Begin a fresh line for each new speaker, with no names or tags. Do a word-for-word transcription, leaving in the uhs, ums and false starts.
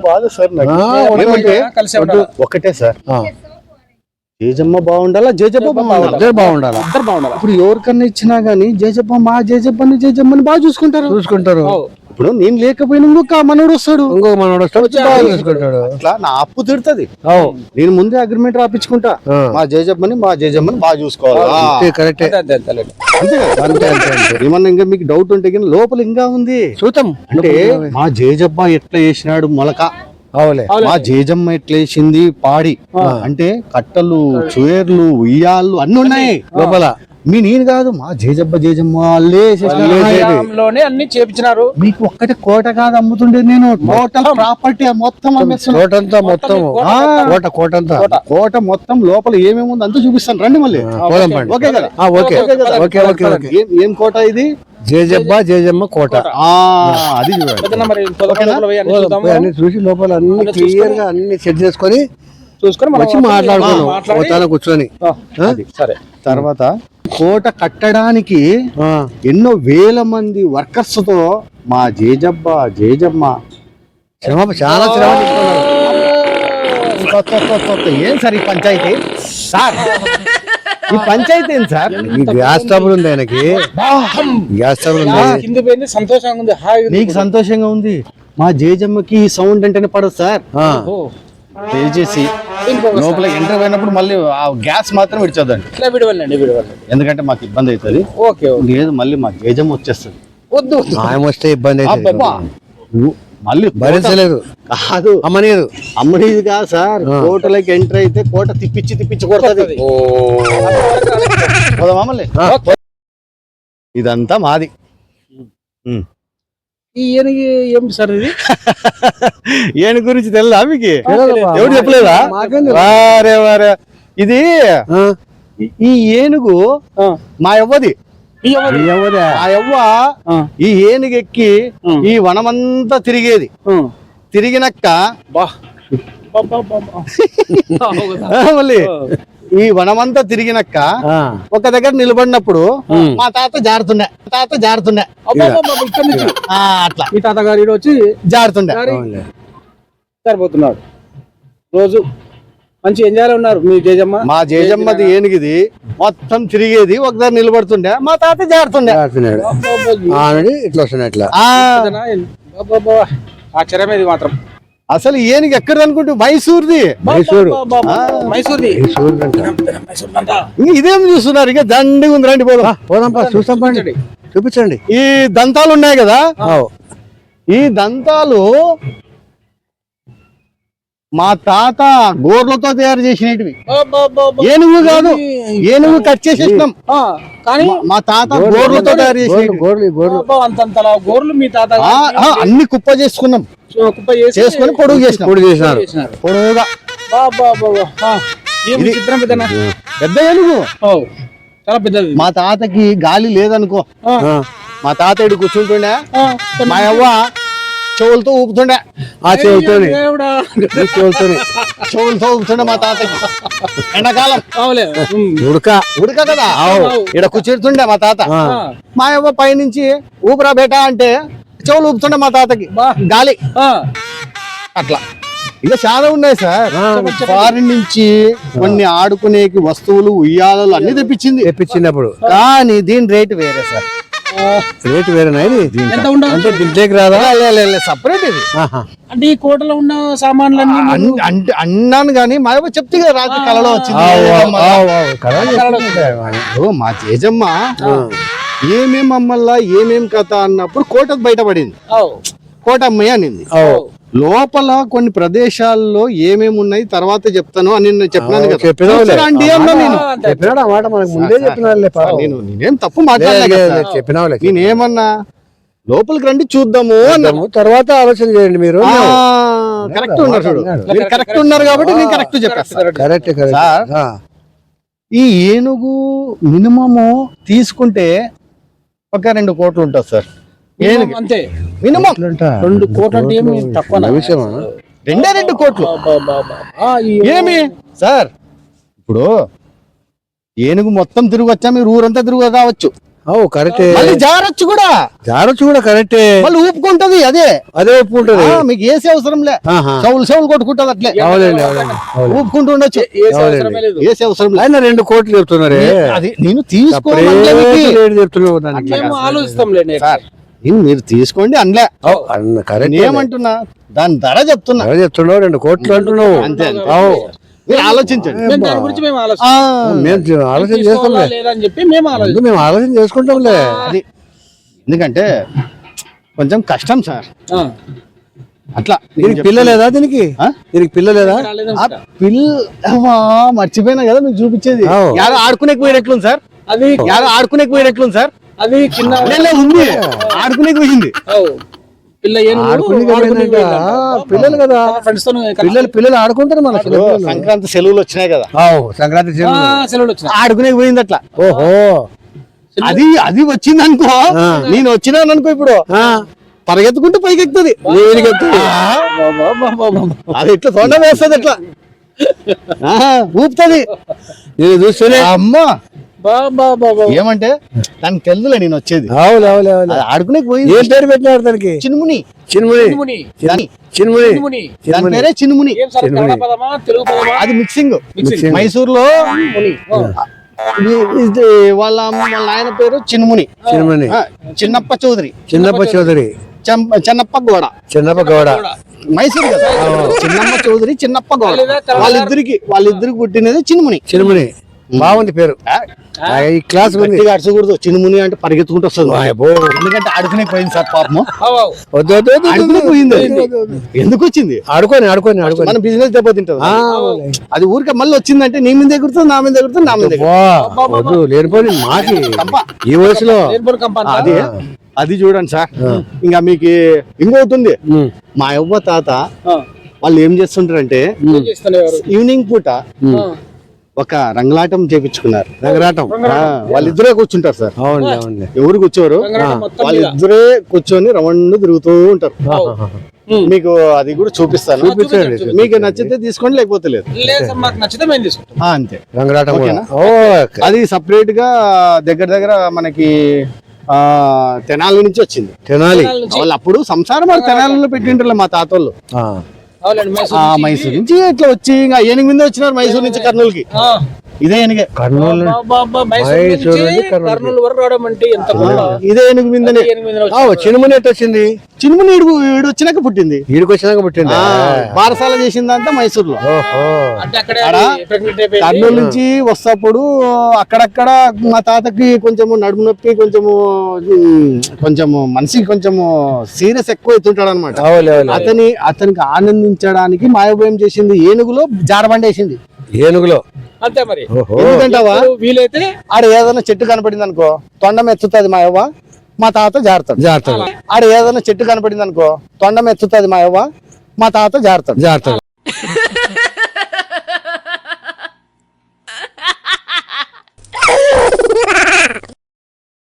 బాధ సార్ నాకు. ఒకటే సార్, జేజమ్మ బాగుండాలా జేజప్ప బాగుండాలా బాగుండాలా ఇప్పుడు ఎవరికన్నా ఇచ్చినా గానీ జేజప్ప మా జేజప్పని జేజమ్మని బాగా చూసుకుంటారు చూసుకుంటారు ఇప్పుడు నేను లేకపోయినా ఇంకొక మనోడు వస్తాడు ఇంకొక మనోడు వస్తాడు చూసుకుంటాడు. అట్లా నా అప్పు తిడుతుంది. నేను ముందే అగ్రిమెంట్ రాపించుకుంటా, మా జేజమ్మని మా జేజమ్మని బాగా చూసుకోవాలి. కరెక్ట్. ఏమన్నా ఇంకా మీకు డౌట్ ఉంటే కానీ లోపల ఇంకా ఉంది చూద్దాం. అంటే మా జేజబ్బ ఎట్లా చేసినాడు మొలక, మా జేజమ్మ ఎట్లేసింది పాడి, అంటే కట్టలు చూయర్లు ఉయ్యాళ్ళు అన్ని ఉన్నాయి లోపల. మీ నేను కాదు మా జేజబ్బ జేజమ్మ అన్ని చేపించినారు. మీకు ఒక్కటే కోట కాదు అమ్ముతుండేది నేను, టోటల్ ప్రాపర్టీ మొత్తం కోటంతా మొత్తం కోట కోటంతా కోట మొత్తం లోపల ఏమేమి ఉంది అంతా చూపిస్తాను రండి మళ్ళీ. ఓకే కదా? Okay okay okay okay. ఏం కోట ఇది? జేజబ్బ జేజమ్మ కోట. అది అన్ని చూసి లోపల అన్ని క్లియర్ గా అన్ని సెట్ చేసుకొని చూసుకొని వచ్చి మాట్లాడుకున్నాం కూర్చొని. సరే, తర్వాత కోట కట్టడానికి ఎన్నో వేల మంది వర్కర్స్ తో మా జేజబ్బ జేజమ్మ శ్రమ చాలా శ్రమ తీసుకున్నారు. ఏం సార్ ఈ పంచాయతీ సార్? ఈ పంచాయతీ ఏంటి సార్? గ్యాస్ ట్రబుల్ ఉంది ఆయనకి, గ్యాస్ ట్రబుల్ ఉంది. సంతోషంగా ఉంది, నీకు సంతోషంగా ఉంది. మా జేజమ్మకి ఈ సౌండ్ అంటేనే పడదు సార్. దయచేసి లోపల ఎంటర్ అయినప్పుడు మళ్ళీ ఆ గ్యాస్ మాత్రం విడిచొద్దండి, ఎందుకంటే మాకు ఇబ్బంది అవుతుంది. లేదు మళ్ళీ మా జేజమ్మ వచ్చేస్తుంది. వద్దు ఆయన వస్తే ఇబ్బంది అవుతుంది, మళ్ళీ భరించలేదు. కాదు అమ్మనేది అమ్మనేది కాదు సార్, కోటలోకి ఎంటర్ అయితే కోట తిప్పించి తిప్పించి కొడుతుంది. మమ్మల్ని ఇదంతా మాది. ఏం సార్ ఇది? ఏను గురించి తెలదా మీకు? ఎవరు చెప్పలేదా? వారే వారే ఇది ఈ ఏనుగు మా యవ్వది. ఆ యవ్వ ఈ ఏనుగు ఎక్కి ఈ వనమంతా తిరిగేది. తిరిగినక్క మళ్ళీ ఈ వనమంతా తిరిగినక్క ఒక దగ్గర నిలబడినప్పుడు మా తాత జారుతుండే తాత జారుతుండే అట్లా మీ తాతగారు వచ్చి జారుతుండే సరిపోతున్నాడు. రోజు మంచి ఎంజాయ్ ఉన్నారు మీ జేజమ్మ. మా జేజమ్మది ఏనుగిది మొత్తం తిరిగేది, ఒక దగ్గర నిలబడుతుండే మా తాత జారుతుండే. ఇట్లా వస్తుండే ఇట్లా ఆశ్చర్యమేది మాత్రం. అసలు ఏనుగు ఎక్కడ అనుకుంటే మైసూర్ది. మైసూరు మైసూర్ది ఇదేం చూస్తున్నారు? ఇక దండిగా ఉంది, రండి పోదాం పోదాం చూస్తాం. పండి చూపించండి. ఈ దంతాలు ఉన్నాయి కదా, ఈ దంతాలు మా తాత గోర్లతో తయారు చేసినవి. ఏనుగు కాదు, ఏనుగు కట్ చేసేసినాం కానీ మా తాత గోర్లతో తయారు చేసినవి. గోర్లు మీ తాత అన్ని కుప్ప చేసుకున్నాం, చేసుకుని పొడుగు చేసినాం. పొడుగు చేసినారు పొడుగుగా. పెద్ద ఏనుగు చాలా పెద్దది. మా తాతకి గాలి లేదనుకో, మా తాత ఇటు కూర్చుంటుండే, మా అవ్వ చెవులతో ఊపుతుండే. ఆ చెవులతో చెవులతో చెవులతో ఊపుతుండే మా తాతకి. ఎండాకాలం ఉడక ఉడక కదా, ఇక్కడ కూర్చుంటుండే మా తాత. మా అవ్వ పైనుంచి ఊపిరా బేటా అంటే చెవులు ఊపుతుండే మా తాతకి గాలి. అట్లా ఇక చాలా ఉన్నాయి సార్. ఫారిన్ నుంచి కొన్ని ఆడుకునేకి వస్తువులు ఉయ్యాలలు అన్ని తెప్పించింది తెప్పించినప్పుడు కానీ దీని రేటు వేరే సార్. రేటు వేరేనా? అంటే దీంట్లోకి రాదా? సపరేట్ ఇది. అంటే ఈ కోటలో ఉన్న సామాన్లు అంటే అన్నాను కానీ మా అవ్వ చెప్తే కదా రాత్రి కళలో వచ్చింది. మా జేజమ్మ ఏమేం అమ్మల్లా ఏమేం కథ అన్నప్పుడు కోట బయటపడింది. కోట అమ్మయ్య అనింది. లోపల కొన్ని ప్రదేశాల్లో ఏమేమి ఉన్నాయి తర్వాత చెప్తాను అని నేను చెప్పినాను కదా. నేనేం తప్పు మాట్లాడలే, నేనేమన్నా లోపలికి రండి చూద్దాము అన్నాము, తర్వాత ఆలోచన చేయండి. మీరు కరెక్ట్ ఉన్నారు, చూడు మీరు కరెక్ట్ ఉన్నారు కాబట్టి నేను కరెక్ట్ చెప్పేస్తాను. Correct sir. ఈ ఏనుగు మినిమము తీసుకుంటే ఒక రెండు కోట్లు ఉంటుంది సార్. అంతే మినిమం రెండు కోట్లు అంటే ఏమి తక్కువ విషయమా? రెండే రెండు కోట్లు ఏమి సార్? ఇప్పుడు ఏనుగు మొత్తం తిరిగి వచ్చా, మీరు ఊరంతా తిరుగు రావచ్చు.
అవు కరెక్టే,
మళ్ళీ జారొచ్చు కూడా,
జారొచ్చు కూడా కరెక్టే,
మళ్ళీ ఊపుకుంటది అదే
అదే ఒప్పుకుంటది.
ఆ, మీకు ఏసీ అవసరం లే, చెవులు చెవులు కొట్టుకుంటది అట్లే,
అవునండి అవునండి
ఊపుకుంటూ ఉండొచ్చు, ఏసీ అవసరం లే.
ఆయన రెండు కోట్లు చెప్తున్నారే,
అది నేను తీసుకోవాలి
చెప్తున్నావు దానికి.
ఆలోచిస్తాంలేండి
సార్, నేను మీరు తీసుకోండి అనలే,
కరెక్ట్
ఏమంటున్నా దాని ధర చెప్తున్నా,
చెప్తున్నావు రెండు కోట్లు అంటున్నావు.
అంతే అంతే.
అవు
మీరు ఆలోచించండి,
మేము దాని గురించి మేము
ఆ,
ఆలోచిస్తాం
మేము ఆలోచన చేస్తాంలే,
లేదని చెప్పి మేము
ముందు
ఆలోచిస్తాం.
మేము ఆలోచన చేసుకుంటాంలే.
అది ఎందుకంటే కొంచెం కష్టం సార్,
ఆ,
అట్లా
దీనికి పిల్ల లేదా, దీనికి
ఆ?
దీనికి పిల్ల లేదా?
ఆ పిల్ల అమ్మా, మర్చిపోయినా కదా మీకు చూపించేది,
అవు.
యారో ఆడుకునే పోయినట్లుంది సార్,
అది
యారో ఆడుకునే పోయినట్లుంది సార్,
అది కింద
లే, లే, ఉంది ఆడుకునే పోయింది,
అవు. పిల్ల ఏనుగు
ఆడుకునే
ఆడుకునే
పోయిందంట.
పోయిందంట.
పిల్లలు కదా,
ఫ్రెండ్స్ తో
పిల్లలు పిల్లలు ఆడుకుంటారు మన
ఇప్పుడు సంక్రాంతి సెలవులు వచ్చినాయి కదా,
అవు సంక్రాంతి
ఆ,
సెలవులు.
సెలవులు వచ్చినాయి.
ఆడుకునే పోయింది అట్లా.
ఓహో
అది అది వచ్చింది అనుకో,
ఆ.
నేను వచ్చినాను అనుకో, ఇప్పుడు
ఆ,
పరిగెత్తుకుంటూ పైకి ఎక్కుతుంది, అది ఇట్లా తొండ వేస్తుంది అట్లా, ఆహా, ఊపుతుంది,
నేను చూస్తూనే
అమ్మా
బా, బా, బా, బా.
ఏమంటే దానికి తెలుదులే నేను వచ్చేది,
అవును అవును అవును.
అది ఆడుకునే పోయింది.
ఏం పేరు పెట్టినారు దానికి?
చిన్ముని,
చిన్ముని
చిన్ముని.
దాని
చిన్ముని
చిన్ముని.
దాని పేరే చిన్ముని,
ఏం సార్, కన్నడ పదమా తెలుగు పదమా?
అది మిక్సింగ్.
మిక్సింగ్.
మైసూరులో
ముని. ఆ.
ఇది- ఇది వాళ్ళ అమ్మ వాళ్ళ నాయన పేరు చిన్ముని,
చిన్ముని
ఆ, చిన్నప్ప చౌదరి,
చిన్నప్ప చౌదరి
చెం- చెన్నప్ప గోడ,
చిన్నప్ప గౌడ.
మైసూరు కదా, చిన్నమ్మ చౌదరి చిన్నప్ప గోడ, వాళ్ళిద్దరికి వాళ్ళిద్దరికి పుట్టినది చిన్ముని.
చిన్ముని బాగుంది పేరు,
ఆ,
ఆ, ఈ క్లాస్ ఉంది.
గట్టిగా అరచకూడదు, చిన్ముని అంటే పరిగెత్తుకుంటూ వస్తుంది,
అబ్బో.
ఎందుకంటే ఆడుకునే పోయింది సార్ పాపము,
అవు, అవు.
వద్దు వద్దు వద్దు,
ఆడుకునే
వద్దు,
పోయింది,
వద్దు, వద్దు, వద్దు.
ఎందుకు వచ్చింది,
ఆడుకొని ఆడుకొని ఆడుకొని
మన బిజినెస్ దెబ్బతింటది,
ఆ,
అది ఊరికే మళ్ళీ వచ్చిందంటే నీ మీద ఎగురుతుంది, నా మీద ఎగురుతుంది, నా మీద ఎగురుతుంది.
వా, వద్దు లేనిపోయి మాకి
తప్ప.
ఈ వయసులో.
లేనిపోని కంప అంతా.
అది అది చూడండి సార్, ఇంకా మీకు ఇంకోతుంది,
ఉమ్,
మా యవ్వ తాత
ఆ.
వాళ్ళు ఏం చేస్తుంటారంటే
ఏం చేస్తున్నారు?
ఈవినింగ్ పూట
ఉమ్.
ఆ.
ఒక రంగలాటం చేపించుకున్నారు,
రంగరాటం.
ఆ, వాళ్ళిద్దరే కూర్చుంటారు సార్,
అవును అవును.
ఎవరు కూర్చోరు,
రంగనాథం మొత్తం మీద.
వాళ్ళిద్దరే కూర్చొని రౌండ్ తిరుగుతూ ఉంటారు.
ఉమ్.
మీకు అది కూడా చూపిస్తాను,
చూపించండి.
మీకు నచ్చితే తీసుకోండి, లేకపోతే లేదు,
లేదు సార్, మాకు నచ్చితే మేము తీసుకుంటాం.
ఆ, అంతే.
రంగరాటం కూడా.
ఓకేనా?
ఓకే.
అది సపరేట్ గా దగ్గర దగ్గర మనకి ఆ తెనాలి నుంచి వచ్చింది,
తినాలి.
తెనాలి నుంచి.
వాళ్ళు అప్పుడు సంసారం వాళ్ళు తెనాలిలో పెట్టింటారు మా తాతోళ్ళు,
ఆ,
అవునండి, మైసూర్
ఆ
నుంచి.
మైసూర్ నుంచి ఇట్లా వచ్చి ఇంకా ఏనుగు మీద వచ్చినారు మైసూర్ నుంచి కర్నూలుకి,
ఆ.
ఇదే ఏనుగే,
కర్నూలు.
బా, బా, బా, మైసూర్
మైసూర్
నుంచి
నుంచి కర్నూలు.
కర్నూలు వరకు రావడం అంటే ఎంత గొప్ప.
ఇదే ఏనుగు మీదనే.
ఎనిమిది రోజులు.
ఆ, చినుముని ఎట్టు వచ్చింది?
చినుముని ఈడు ఈడు వచ్చినాక పుట్టింది,
ఈడికి వచ్చినాక పుట్టింది.
ఆ, బారసాల చేసిందంతా మైసూర్లో.
ఓహో.
అంటే అక్కడే
ఆడ
అది pregnant అయిపోయింది.
కర్నూలు నుంచి వస్తప్పుడు అక్కడక్కడ మా తాతకి కొంచెము నడుము నొప్పి, కొంచెము ఉమ్, కొంచెము మనిషికి కొంచెము సీరియస్ ఎక్కువ అవుతుంటాడు అనమాట.
అవులే అవులే.
అతని అతనికి ఆనందించడానికి మాయోభయం చేసింది ఏనుగులో జారబండ వేసింది,
ఏనుగులో.
అంతే మరి.
ఓహో.
ఎందుకంటావా,
ఇప్పుడు వీలైతే
ఆడ ఏదైనా చెట్టు కనపడింది అనుకో, తొండం ఎత్తుతుంది మా యవ్వ, మా తాత జారుతాడు.
జాగ్రత్త
ఆడ ఏదైనా చెట్టు కనపడింది అనుకో, తొండం ఎత్తుతుంది మా యవ్వ, మా తాత జారుతాడు.
జాగ్రత్త.